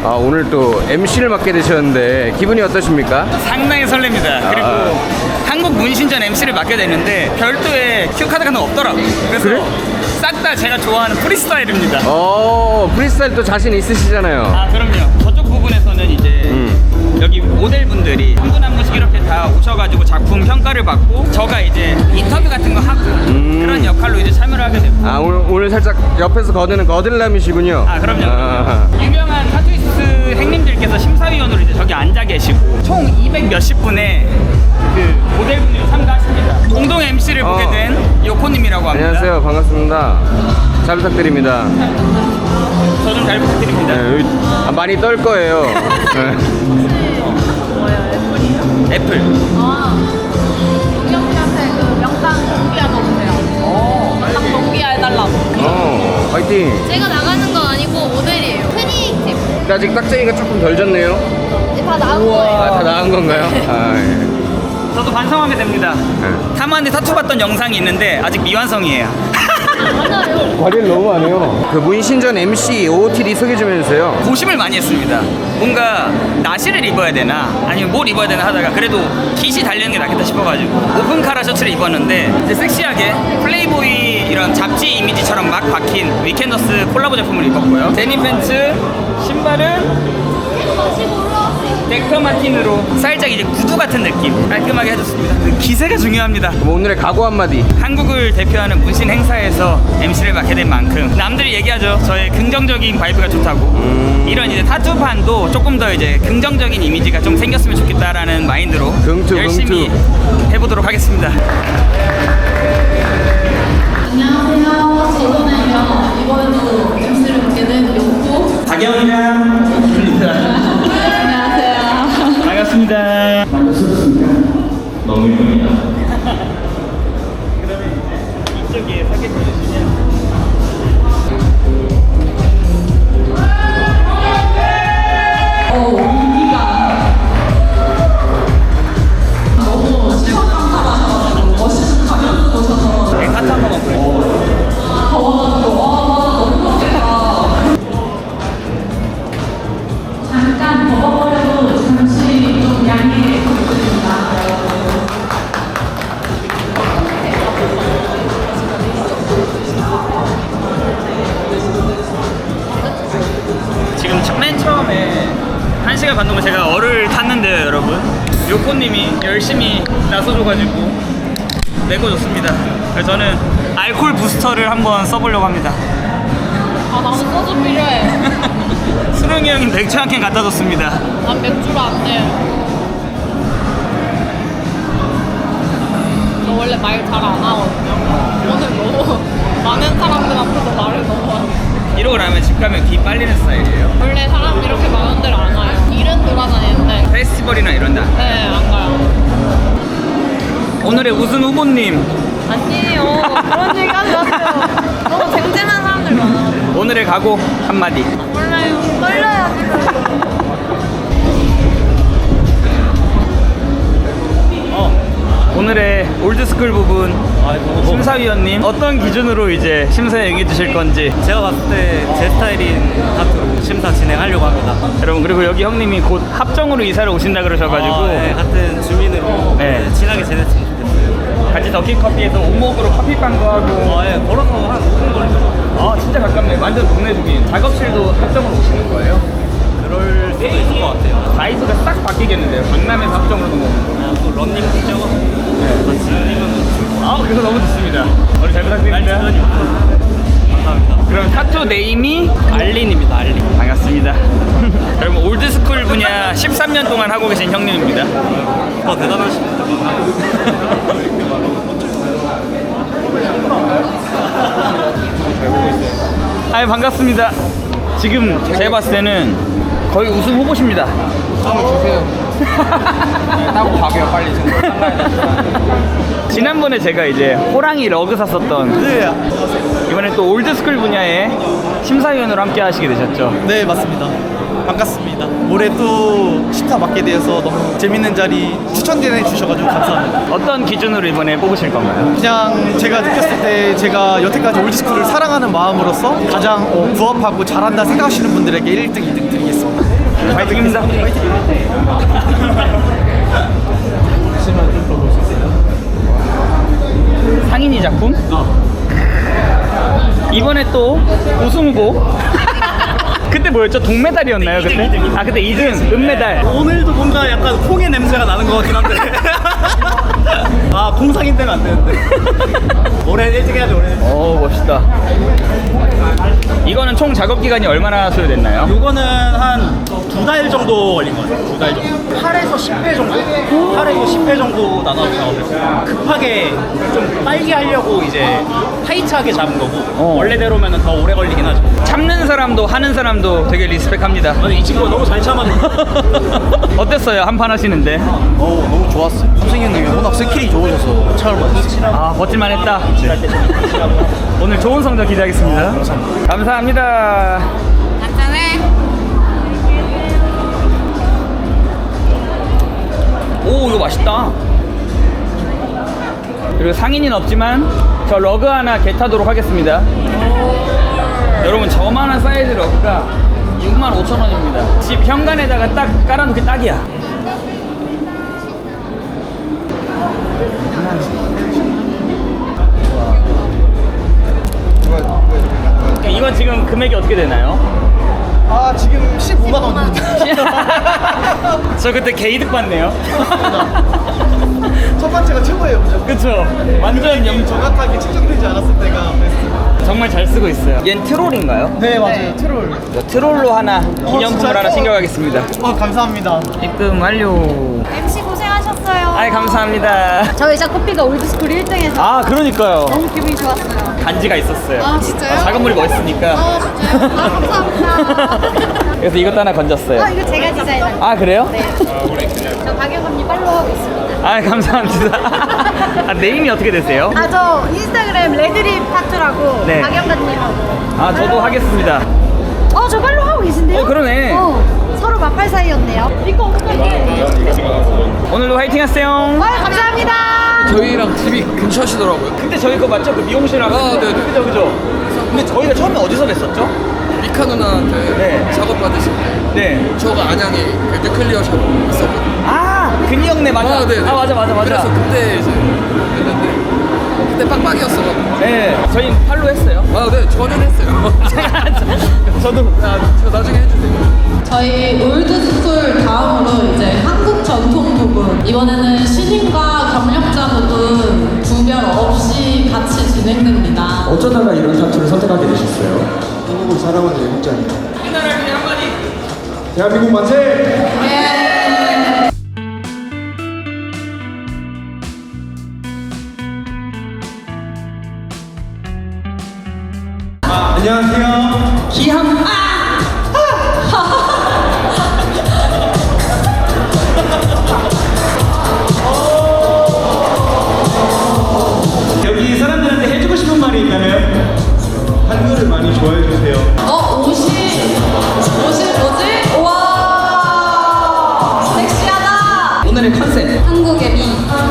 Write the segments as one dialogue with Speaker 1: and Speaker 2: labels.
Speaker 1: 아, 오늘 또 MC를 맡게 되셨는데 기분이 어떠십니까?
Speaker 2: 상당히 설렙니다. 그리고 한국 문신전 MC를 맡게 됐는데 별도의 큐 카드가 없더라고요. 그래서
Speaker 1: 그래?
Speaker 2: 싹 다 제가 좋아하는 프리스타일입니다.
Speaker 1: 프리스타일 또 자신 있으시잖아요.
Speaker 2: 아 그럼요. 저쪽 부분에서는 이제 여기 모델분들이 한 분 한 분씩 이렇게 다 오셔가지고 작품 평가를 받고 저가 이제 인터뷰 같은 거 하고 그런 역할로 이제 참여를 하게 됩니다.
Speaker 1: 아, 오늘 살짝 옆에서 거드는 거들남이시군요.
Speaker 2: 아 그럼요. 유명한 타투이스트 행님들께서 심사위원으로 이제 저기 앉아 계시고 총 200 몇십 분의 그 모델분들이 참가하십니다. 공동 MC를 보게 된 요코님이라고 합니다.
Speaker 1: 안녕하세요. 반갑습니다. 잘 부탁드립니다.
Speaker 2: 저 좀 잘 부탁드립니다.
Speaker 1: 네, 많이 떨 거예요. 네.
Speaker 2: 애플.
Speaker 3: 동영씨한테 그 명당 동기화 넣어주세요. 명당 동기화 해달라고.
Speaker 1: 화이팅.
Speaker 3: 제가 나가는 건 아니고 모델이에요. 트닝팀.
Speaker 1: 근데 아직 딱쟁이가 조금 덜 졌네요.
Speaker 3: 다 나온 거예요.
Speaker 1: 다 나은 건가요? 아, 예.
Speaker 2: 저도 반성하게 됩니다. 타마한테 타투 받던 영상이 있는데 아직 미완성이에요.
Speaker 3: 맞아요.
Speaker 1: 관리를 너무 안 해요. 그 문신전 MC OOTD 소개 좀 해주세요.
Speaker 2: 고심을 많이 했습니다. 뭔가 나시를 입어야 되나 아니면 뭘 입어야 되나 하다가 그래도 깃이 달리는 게 낫겠다 싶어가지고 오픈카라 셔츠를 입었는데 이제 섹시하게 플레이보이 이런 잡지 이미지처럼 막 박힌 위켄더스 콜라보 제품을 입었고요. 데님 팬츠, 신발은 덱터 마틴으로 살짝 이제 구두 같은 느낌 깔끔하게 해줬습니다. 기세가 중요합니다.
Speaker 1: 그럼 오늘의 각오 한마디.
Speaker 2: 한국을 대표하는 문신 행사에서 MC를 맡게 된 만큼 남들이 얘기하죠. 저의 긍정적인 바이브가 좋다고. 이런 이제 타투판도 조금 더 이제 긍정적인 이미지가 좀 생겼으면 좋겠다라는 마인드로 열심히 해보도록 하겠습니다.
Speaker 3: 안녕하세요. 저는 이번에도 MC를 맡게 된 용구.
Speaker 2: 박영이랑 입니다.
Speaker 3: 안녕하세요.
Speaker 2: 반갑습니다.
Speaker 4: 너무 이쁩니다.
Speaker 2: 그러면 이제 이쪽에 사진 보여주시면 네, 타투 한 번만 보여주세요.
Speaker 3: 잠깐 벗어버려도 잠시 좀 양해해 부탁드립니다.
Speaker 2: 지금 맨 처음에 1시간 반 동안 제가 얼을 탔는데요, 여러분. 요코님이 열심히 나서줘가지고 메꿔줬습니다. 그래서 저는 알콜 부스터를 한번 써보려고 합니다.
Speaker 3: 아, 나는 소주 필요해.
Speaker 2: 수릉이 형이 맥주 한 캔 갖다 줬습니다.
Speaker 3: 난 맥주로 안 돼. 저 원래 말 잘 안 하거든요. 오늘 너무 많은 사람들 앞에서 말을 너무 하네.
Speaker 2: 이러고 나면 집 가면 기 빨리는 스타일이에요.
Speaker 3: 원래 사람 이렇게 많은 데를 안 와요. 일은 돌아다니는데.
Speaker 2: 페스티벌이나 이런 데.
Speaker 3: 네, 안 가요.
Speaker 2: 오늘의 우승 후보님,
Speaker 3: 아니에요. 그런 얘기 하지 마세요. 너무 쟁쟁한 사람들 많아.
Speaker 2: 오늘의 각오 한마디.
Speaker 3: 몰라요. 떨려요.
Speaker 2: 오늘의 올드스쿨 부분 심사위원님 어떤 기준으로 이제 심사에 응해주실 건지.
Speaker 5: 제가 봤을 때 제 스타일인 타투로 심사 진행하려고 합니다.
Speaker 2: 여러분, 그리고 여기 형님이 곧 합정으로 이사를 오신다 그러셔가지고
Speaker 5: 네, 같은 주민으로
Speaker 2: 네.
Speaker 5: 친하게 지냈으면 좋겠어요.
Speaker 2: 같이 더키커피에서 오목으로 커피빵도 하고.
Speaker 5: 예, 걸어서 한 5분 걸리죠.
Speaker 2: 진짜 가깝네. 완전 동네 주민. 작업실도 합정으로 오시는 거예요?
Speaker 5: 그럴 수도 있을 것 같아요.
Speaker 2: 나이스가 싹 바뀌겠는데요. 강남에서 합정으로 넘어오는 거.
Speaker 5: 또 런닝 뛰어가지고 같이 뛰면 좋을 것 같아요.
Speaker 2: 그래서 너무 좋습니다. 오늘 잘 부탁드립니다.
Speaker 5: 감사합니다.
Speaker 2: 그럼 타투 네임이
Speaker 5: 알린입니다, 알린.
Speaker 2: 반갑습니다. 여러분, 올드스쿨 분야 13년 동안 하고 계신 형님입니다.
Speaker 5: 대단하십니다.
Speaker 2: 아유, 반갑습니다. 지금 제가 봤을 때는 거의 우승 후보십니다.
Speaker 1: 따고 가게요, 빨리.
Speaker 2: 지난번에 제가 이제 호랑이 러그 샀었던
Speaker 5: 네,
Speaker 2: 이번에 또 올드스쿨 분야의 심사위원으로 함께 하시게 되셨죠.
Speaker 5: 네, 맞습니다. 반갑습니다. 올해 또 심사 맡게 되어서 너무 재밌는 자리 추천해 주셔가지고 감사합니다.
Speaker 2: 어떤 기준으로 이번에 뽑으실 건가요?
Speaker 5: 그냥 제가 느꼈을 때 제가 여태까지 올드스쿨을 사랑하는 마음으로서 가장 부합하고 잘한다 생각하시는 분들에게 1등, 2등 드리겠습니다.
Speaker 2: 파이팅입니다. 상인이 작품? 이번에 또 우승 후보. 그때 뭐였죠? 동메달이었나요 그때? 아 그때 2등 은메달.
Speaker 5: 오늘도 뭔가 약간 콩의 냄새가 나는 것 같긴 한데. 아, 콩상인 되면 안 되는데. 올해 일찍 해야지, 올해.
Speaker 2: 오 멋있다. 이거는 총 작업 기간이 얼마나 소요됐나요?
Speaker 5: 요거는 한 2달 정도 걸린 것 같아요. 2달 정도. 8에서 10회 정도? 8에서 10회 정도 나눠서 작업했어요. 급하게 좀 빨리 하려고 이제 타이트하게 잡은 거고 원래대로면 더 오래 걸리긴 하죠.
Speaker 2: 참는 사람도 하는 사람도 되게 리스펙합니다.
Speaker 5: 아니, 이 친구가 너무 잘 참았네.
Speaker 2: 어땠어요? 한 판 하시는데?
Speaker 5: 너무 좋았어요. 삼승이 형님이 워낙 스킬이 좋으셔서 참을 많았어요.
Speaker 2: 아 버틸만 했다. 오늘 좋은 성적 기대하겠습니다. 감사합니다.
Speaker 3: 간단해.
Speaker 2: 오 이거 맛있다. 그리고 상인은 없지만 저 러그 하나 겟하도록 하겠습니다. 여러분 저만한 사이즈 러그가 65,000원입니다. 집 현관에다가 딱 깔아놓기 딱이야. 이건 지금 금액이 어떻게 되나요?
Speaker 5: 아, 지금 15만 원입니다.
Speaker 2: 저 그때 개이득 받네요.
Speaker 5: 첫 번째가 최고예요, 무조건.
Speaker 2: 그쵸? 완전
Speaker 5: 정확하게 측정되지 않았을 때가 베스트.
Speaker 2: 정말 잘 쓰고 있어요. 얜 트롤인가요?
Speaker 5: 네, 맞아요. 트롤.
Speaker 2: 트롤로 하나 기념품을
Speaker 5: 진짜요?
Speaker 2: 하나 챙겨가겠습니다.
Speaker 5: 감사합니다.
Speaker 2: 입금 완료.
Speaker 3: MC 고생하셨어요.
Speaker 2: 아이 감사합니다.
Speaker 3: 저 의자 커피가 올드스쿨 1등에서
Speaker 2: 아 그러니까요.
Speaker 3: 너무 기분이 좋았어요.
Speaker 2: 간지가 있었어요.
Speaker 3: 아, 진짜요?
Speaker 2: 작은 물이 멋있으니까.
Speaker 3: 진짜요? 아, 감사합니다.
Speaker 2: 그래서 이것도 하나 건졌어요.
Speaker 3: 이거 제가 디자인한 거.
Speaker 2: 아 그래요?
Speaker 3: 네. 저 박영 언니 팔로우하고 있습니다.
Speaker 2: 아 감사합니다. 아, 네임이 어떻게 되세요?
Speaker 3: 저 인스타그램 레드립 타투라고
Speaker 2: 네.
Speaker 3: 박영관님하고.
Speaker 2: 아 저도 하겠습니다.
Speaker 3: 저 팔로우하고 계신데요?
Speaker 2: 그러네.
Speaker 3: 서로 마팔 사이였네요. 이거 어떡해.
Speaker 2: 오늘도 화이팅 하세요.
Speaker 3: 감사합니다.
Speaker 1: 저희랑 집이 근처시더라고요.
Speaker 2: 근데 저희 거 맞죠? 그 미용실하고.
Speaker 1: 아, 네네.
Speaker 2: 그죠 그죠. 근데 저희가 처음에 어디서 뵀었죠?
Speaker 1: 미카 누나한테
Speaker 2: 네.
Speaker 1: 작업 받으실 때
Speaker 2: 네.
Speaker 1: 저가 안양에 그 뉴클리어 샵 있었거든요.
Speaker 2: 아 근이형네 맞아.
Speaker 1: 아, 네네.
Speaker 2: 아 맞아.
Speaker 1: 그래서 그때 이제 했는데 그때 빡빡이었어가지고.
Speaker 2: 네. 저희 팔로 했어요.
Speaker 1: 아, 네, 저는 했어요.
Speaker 2: 저도.
Speaker 1: 저 나중에 해주세요.
Speaker 6: 저희 올드스쿨 다음으로 이제 한국 전통 부분 이번에는 신인과 경력자 부분 구별 없이 같이 진행됩니다.
Speaker 7: 어쩌다가 이런 타투를 선택하게 되셨어요?
Speaker 8: 한국을 사랑하는 애국자입니다.
Speaker 2: 우리나라를 위해 한마디.
Speaker 8: 대한민국 만세! 안녕하세요.
Speaker 2: 기함.
Speaker 7: 여기 사람들한테 해주고 싶은 말이 있다면?
Speaker 8: 한글을 많이 좋아해 주세요.
Speaker 6: 옷이 뭐지? 우와 섹시하다.
Speaker 2: 오늘의 컨셉.
Speaker 6: 한국의 미.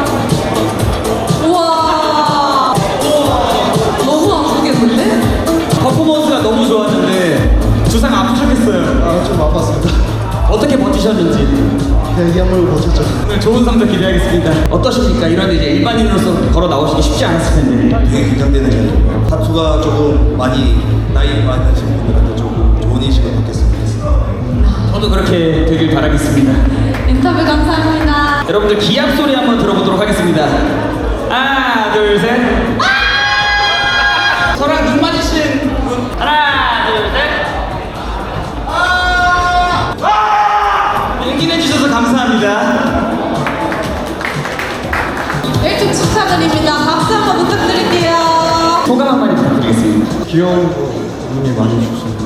Speaker 6: 우와 너무 아프겠는데?
Speaker 7: 퍼포먼스가 너무 좋았는데 주상 아프셨겠어요.
Speaker 8: 아, 좀 아팠습니다.
Speaker 7: 어떻게 버티셨는지
Speaker 8: 그냥 이 약물을 버텼죠.
Speaker 7: 오늘 좋은 성적 기대하겠습니다. 어떠십니까? 이런 이제 일반인으로서 걸어 나오시기 쉽지 않았을 텐데.
Speaker 8: 되게 긴장되는 자리고요. 타투가 조금 나이 많이 하신 분들한테 조금 좋은 인식을 받겠습니다.
Speaker 7: 저도 그렇게 되길 바라겠습니다.
Speaker 6: 인터뷰 감사합니다.
Speaker 7: 여러분들 기합 소리 한번 들어보도록 하겠습니다. 하나, 둘, 셋. 저랑 눈 맞으신 분.
Speaker 2: 하나 둘 셋.
Speaker 7: 용기 내주셔서 감사합니다.
Speaker 6: 1등 축하드립니다. 박수 한번 부탁드릴게요.
Speaker 7: 소감 한마디 부탁드리겠습니다.
Speaker 8: 귀여운 분이 많이 주셨습니다.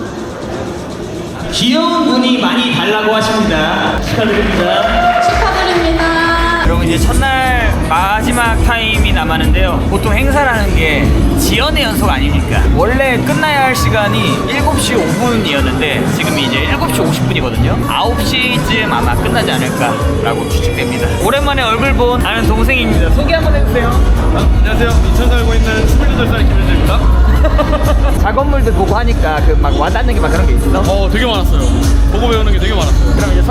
Speaker 7: 귀여운 분이 많이 달라고 하십니다. 축하드립니다.
Speaker 6: 축하드립니다.
Speaker 2: 여러분 이제 첫날 마지막 타임이 남았는데요. 보통 행사라는 게 지연의 연속 아닙니까? 원래 끝나야 할 시간이 7시 5분이었는데 지금 이제 7시 50분이거든요. 9시쯤 아마 끝나지 않을까라고 추측됩니다. 오랜만에 얼굴 본 아는 동생입니다. 소개 한번 해주세요.
Speaker 5: 안녕하세요. 인천 살고 있는 28살 김현재입니다.
Speaker 2: 작업물들 보고 하니까 그 막 와닿는 게 막 그런 게 있어?
Speaker 5: 되게 많았어요. 보고 배우는 게 되게 많았어요.
Speaker 2: 그럼 이제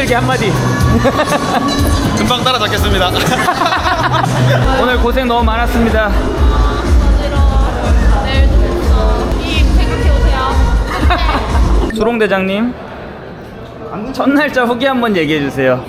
Speaker 5: 팬들에게 한마디.
Speaker 8: 금방 따라잡겠습니다.
Speaker 2: 오늘 고생 너무 많았습니다.
Speaker 3: 어지러워. 내일도 뵙어. 이 생각해 오세요.
Speaker 2: 수롱 대장님, 첫 날짜 후기 한번 얘기해 주세요.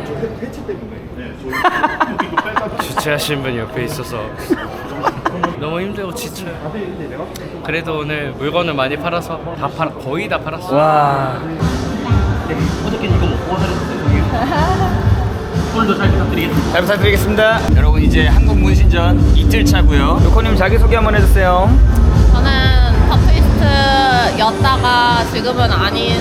Speaker 9: 주최하신 분이 옆에 있어서 너무 힘들고 지쳐요. 그래도 오늘 물건을 많이 팔아서 거의 다 팔았어요.
Speaker 2: 와,
Speaker 5: 어저께 이거 먹고 하셨어요. 오늘도 잘 부탁드리겠습니다.
Speaker 2: 잘 부탁드리겠습니다. 여러분 이제 한국 문신전 이틀 차고요. 요코님 자기 소개 한번 해주세요.
Speaker 3: 저는 터트위스트였다가 지금은 아닌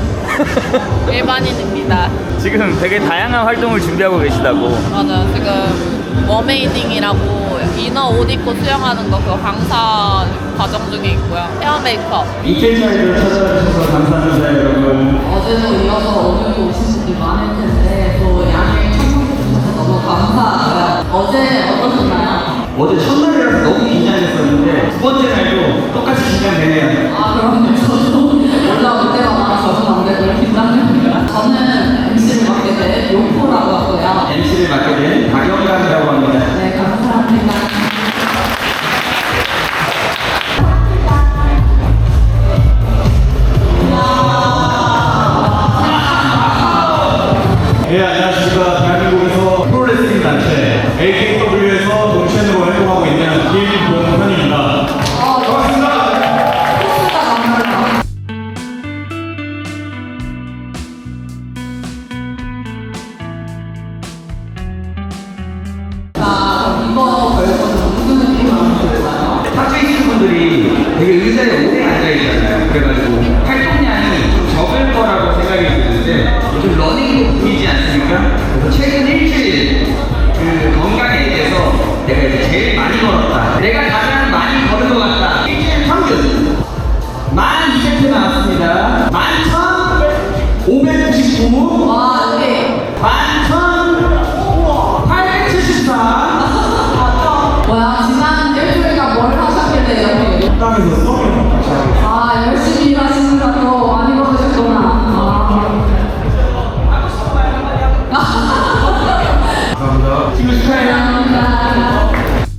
Speaker 3: 일반인입니다.
Speaker 2: 지금 되게 다양한 활동을 준비하고 계시다고.
Speaker 3: 맞아요. 지금 워메이딩이라고 이너 옷 입고 수영하는 거 그거 강사 과정 중에 있고요. 헤어 메이크업.
Speaker 2: 이틀 차이를 찾아주셔서 감사합니다, 여러분.
Speaker 6: 어제도 이어서 오늘도 오신 분이 많을 텐데 또 양해 청소해 주셔서 너무 감사하고요. 어제 어떠셨나요?
Speaker 7: 어제 첫날이라서 너무 긴장했었는데 두 번째 날도 똑같이 긴장되네요.
Speaker 6: 아 그럼요. 저도 올라올 때마다 저도 안 되고 긴장됩니다. 저는 MC를 맡게 된 요코라고 하고요.
Speaker 7: MC를 맡게 된 박영감이라고 합니다.
Speaker 6: 네, 감사합니다.
Speaker 8: 네, 안녕하십니까. 대한민국에서 프로레슬링 단체 AKW에서 동체으로 활동하고 있는 김봉현입니다. 반갑습니다.
Speaker 6: 자, 이거 결과는 무슨 느낌으로 들어요?
Speaker 7: 탁주에 계신 분들이 되게 의자에 오래 앉아있잖아요. 그래가지고 활동량이 좀 적을 거라고 생각이 드는데 요즘 러닝도 보이지 않습니까? 그래서 최근 일주일 그 건강에 대해서 내가 이제 제일 많이 걸었다. 내가 가장 많이 걸은 것 같다. 일주일 평균 1200회 나왔습니다. 11,599.
Speaker 6: 와, 여기
Speaker 7: 11,874.
Speaker 6: 뭐야, 지난 일주일간 뭘 하셨길래 여기
Speaker 8: 땅에서 썩은
Speaker 6: 아, 열심히 일하시느라 또 많이 걸으셨구나.
Speaker 8: 감사합니다.
Speaker 7: 친구 축하해요.
Speaker 6: 감사합니다.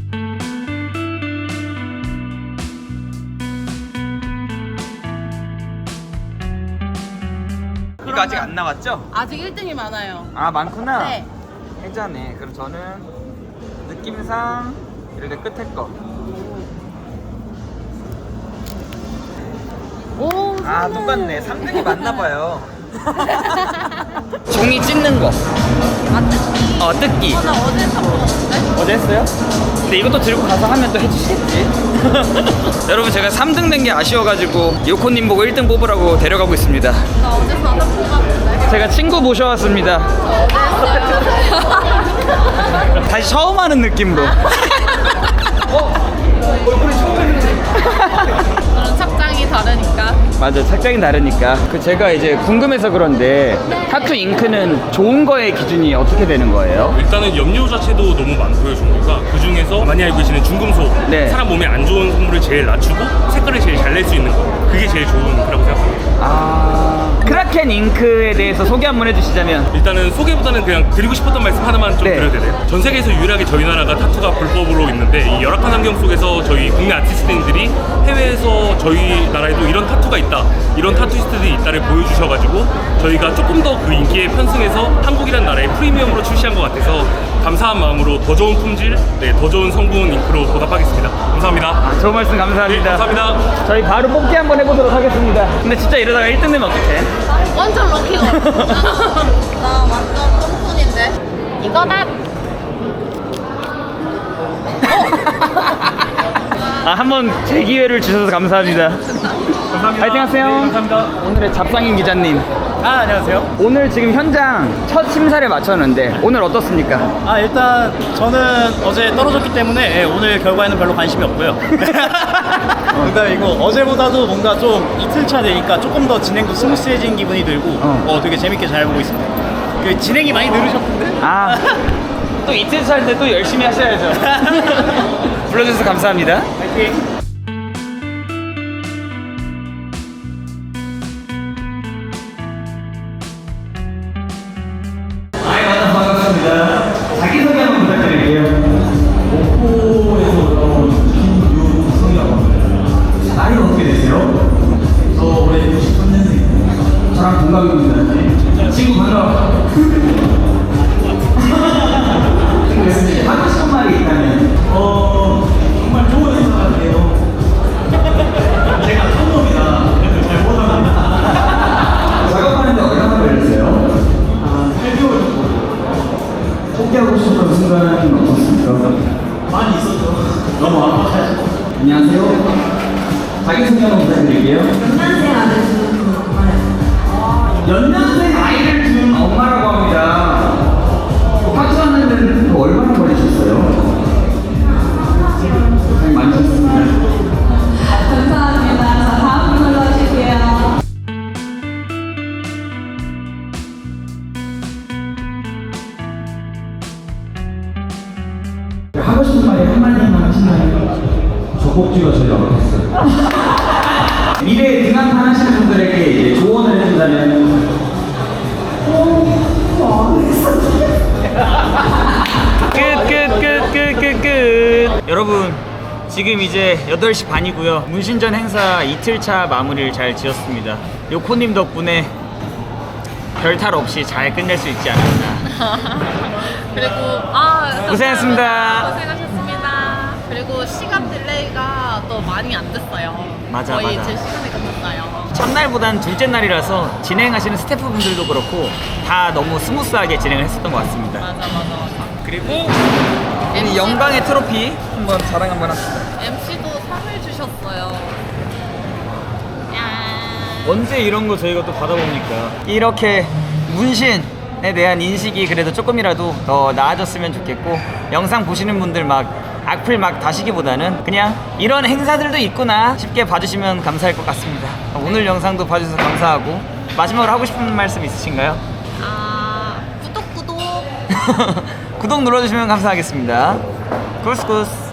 Speaker 2: 이거 아직 안 나왔죠?
Speaker 3: 아직 1등이 많아요.
Speaker 2: 아, 많구나.
Speaker 3: 네.
Speaker 2: 괜찮네. 그럼 저는 느낌상 이렇게 끝에 거.
Speaker 3: 오,
Speaker 2: 아, 똑같네. 3등이 맞나 봐요. 종이 찢는 거.
Speaker 3: 아, 뜯기.
Speaker 2: 뜯기.
Speaker 3: 나 어제 샀었는데?
Speaker 2: 어제 했어요? 근데 이것도 들고 가서 하면 또 해주시겠지? 여러분, 제가 3등 된 게 아쉬워가지고 요코님 보고 1등 뽑으라고 데려가고 있습니다.
Speaker 3: 나 어제 4등 뽑았는데?
Speaker 2: 제가 친구 모셔왔습니다.
Speaker 3: 어제 했어요.
Speaker 2: 다시 처음 하는 느낌으로.
Speaker 3: 저는 착장이 다르니까.
Speaker 2: 맞아, 착장이 다르니까. 제가 이제 궁금해서 그런데 타투 잉크는 좋은 거의 기준이 어떻게 되는 거예요?
Speaker 10: 일단은 염료 자체도 너무 많고요, 종류가. 그 중에서 많이 알고 계시는 중금속,
Speaker 2: 네.
Speaker 10: 사람 몸에 안 좋은 성분을 제일 낮추고 색깔을 제일 잘 낼 수 있는 거, 그게 제일 좋은 거라고 생각합니다.
Speaker 2: 아, 크라켄 잉크에 대해서 소개 한번 해주시자면.
Speaker 10: 일단은 소개보다는 그냥 드리고 싶었던 말씀 하나만 좀
Speaker 2: 네.
Speaker 10: 드려도 되나요? 전 세계에서 유일하게 저희 나라가 타투가 불법으로 있는데, 이 열악한 환경 속에서 저희 국내 아티스트들이 해외에서 저희 나라에도 이런 타투가 있다, 이런 타투이스트들이 있다를 보여주셔가지고 저희가 조금 더 그 인기에 편승해서 한국이란 나라의 프리미엄으로 출시한 것 같아서 감사한 마음으로 더 좋은 품질, 더 좋은 성분 잉크로 보답하겠습니다. 감사합니다.
Speaker 2: 좋은 말씀 감사합니다.
Speaker 10: 네, 감사합니다.
Speaker 2: 저희 바로 뽑기 한번 해보도록 하겠습니다. 근데 진짜 이러다가 1등 되면 어떡해?
Speaker 3: 완전 럭키걸. 나 완전 똥손인데. 이거다.
Speaker 2: 아, 한번 제 기회를 주셔서 감사합니다.
Speaker 5: 감사합니다.
Speaker 2: 파이팅 하세요.
Speaker 5: 네, 감사합니다.
Speaker 2: 오늘의 잡상인 기자님.
Speaker 5: 아, 안녕하세요.
Speaker 2: 오늘 지금 현장 첫 심사를 마쳤는데 오늘 어떻습니까?
Speaker 5: 아, 일단 저는 어제 떨어졌기 때문에 오늘 결과에는 별로 관심이 없고요. 그러니까 이거 어제보다도 뭔가 좀 이틀차 되니까 조금 더 진행도 스무스해진 기분이 들고 되게 재밌게 잘 보고 있습니다. 그 진행이 많이 늘으셨던데?
Speaker 2: 아, 또 이틀 차인데 또 열심히 하셔야죠. 불러주셔서 감사합니다.
Speaker 5: 파이팅!
Speaker 7: 영광입니다. 친구 반가워. 하고 싶은 말이 있다면?
Speaker 5: 정말 좋은 행사 같아요. 제가 성놈이라 잘 못합니다.
Speaker 7: 작업하는데 얼마나 걸렸어요?
Speaker 5: 8개월 정도.
Speaker 7: 포기하고 싶은 순간은 없었습니까?
Speaker 5: 많이 있었죠. 너무 아파가지고.
Speaker 7: 안녕하세요. 자기소개 한번 부탁드릴게요. 연년생 아이를 둔 엄마라고 합니다. 박수 하는 데는 얼마나 걸리셨어요? 많이 셨습니다.
Speaker 6: 감사합니다. 자, 다음 분으로 하실게요.
Speaker 7: 하고 싶은 말이 한마디만 하신다면 저 꼭지가 제일 어렵겠어요. 미래에 등한판 하시는 분들에게 이제 조언을 해준다면
Speaker 2: 끝. 여러분 지금 이제 8시 반이고요. 문신전 행사 이틀차 마무리를 잘 지었습니다. 요코님 덕분에 별탈 없이 잘 끝낼 수 있지 않았나.
Speaker 3: 그리고
Speaker 2: 고생했습니다.
Speaker 3: 고생하셨습니다. 그리고 시간 딜레이가 또 많이 안 됐어요.
Speaker 2: 맞아,
Speaker 3: 거의
Speaker 2: 맞아.
Speaker 3: 제 시간에 끝났어요.
Speaker 2: 첫날보단 둘째 날이라서 진행하시는 스태프분들도 그렇고 다 너무 스무스하게 진행을 했었던 것 같습니다.
Speaker 3: 맞아.
Speaker 2: 그리고 이 영광의 트로피 한번 자랑 한번 합시다.
Speaker 3: MC도 상을 주셨어요.
Speaker 2: 언제 이런 거 저희가 또 받아봅니까? 이렇게 문신에 대한 인식이 그래도 조금이라도 더 나아졌으면 좋겠고, 영상 보시는 분들 막 악플 막 다시기보다는 그냥 이런 행사들도 있구나 싶게 봐주시면 감사할 것 같습니다. 오늘 영상도 봐주셔서 감사하고, 마지막으로 하고 싶은 말씀 있으신가요?
Speaker 3: 구독.
Speaker 2: 구독 눌러주시면 감사하겠습니다. 구스구스.